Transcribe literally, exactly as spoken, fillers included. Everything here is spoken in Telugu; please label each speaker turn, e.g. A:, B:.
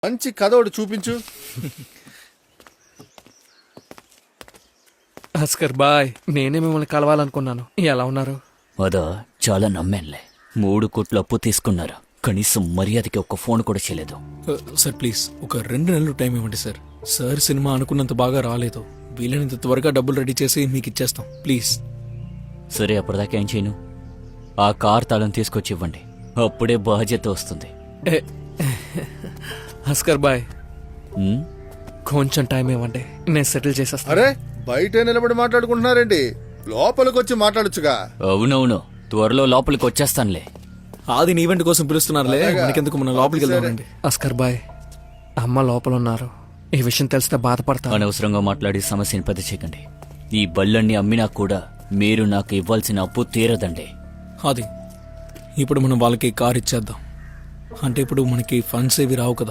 A: మంచి కథ ఒకటి చూపించు.
B: భాస్కర్ బాయ్, నేనే మిమ్మల్ని కలవాలనుకున్నాను. ఎలా ఉన్నారు?
C: అదా చాలా నమ్మానులే. మూడు కోట్లు అప్పు తీసుకున్నారు, కనీసం మర్యాదకి ఒక్క ఫోన్ కూడా చేయలేదు.
D: సార్ ప్లీజ్ ఒక రెండు నెలలు టైం ఇవ్వండి సార్. సార్ సినిమా అనుకున్నంత బాగా రాలేదు. వీలైనంత త్వరగా డబ్బులు రెడీ చేసి మీకు ఇచ్చేస్తాం ప్లీజ్.
C: సరే, అప్పటిదాకా ఏం చేయను, ఆ కార్ తాళం తీసుకొచ్చి ఇవ్వండి, అప్పుడే బాధ్యత వస్తుంది.
B: ఏ, భాస్కర్ బాయ్
C: ఉమ్,
B: కొంచెం టైం ఇవ్వండి, నేను సెటిల్ చేసేస్తాను.
A: అరే బయట నిలబడి మాట్లాడుకుంటున్నారేంటి? లోపలికి వచ్చి మాట్లాడొచ్చుగా.
C: అవునవును, త్వరలో లోపలికి వచ్చేస్తానులే.
D: ఆది ఈవెంట్ కోసం పిలుస్తున్నారులే,
A: అలాగా?
D: మనకెందుకు, మనం లోపలికి వెళ్దామండి.
B: భాస్కర్ బాయ్, అమ్మ లోపల ఉన్నారు. ఈ విషయం తెలిస్తే బాధపడతాను.
C: అనవసరంగా మాట్లాడి సమస్యని పెద్ద చేయకండి. ఈ బళ్ళన్ని అమ్మినా కూడా మీరు నాకు ఇవ్వాల్సిన అప్పు తీరదండి.
D: ఆది ఇప్పుడు మనం వాళ్ళకి కార్ ఇచ్చేద్దాం. అంటే ఇప్పుడు మనకి ఫండ్స్ ఏవి రావు కదా.